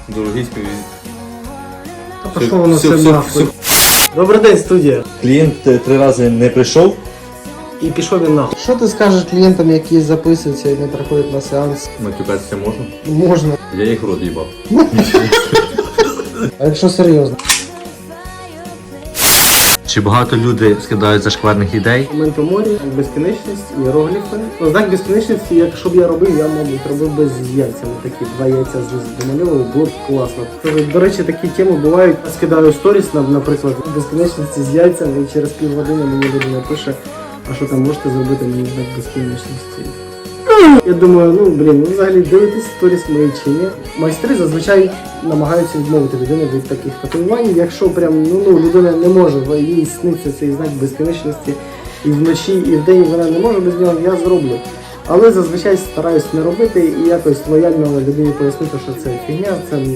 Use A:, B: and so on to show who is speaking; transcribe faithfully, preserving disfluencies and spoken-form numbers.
A: Дорогий співвід.
B: А пішло воно все нахуй. Добрий день, студія.
A: Клієнт три рази не прийшов.
B: І пішов він нахуй. Що ти скажеш клієнтам, які записуються і не приходять на сеанс?
A: Матюкатися можна?
B: Можна.
A: Я їх рот їбав.
B: А якщо серйозно?
C: Чи багато люди скидають зашкварних ідей?
B: Момент у морі, безкінечність, іерогліфи. Ну, знак безкінечності, якщо б я робив, я, мабуть, робив би з яйцями. Такі два яйця з домальовував, було б класно. До речі, такі теми бувають. Я скидаю сторіс, наприклад, безкінечності з яйцями, і через півгодини мені людина пише, а що там можете зробити мені знак безкінечності. Я думаю, ну, блін, ви взагалі дивитесь сторіс мої чи ні? Майстри зазвичай намагаються відмовити людину від таких татуювань. Якщо прям, ну, ну, людина не може, їй сниться цей знак безкінечності і вночі, і вдень вона не може без нього, я зроблю. Але зазвичай стараюсь не робити і якось лояльно людині пояснити, що це фігня, це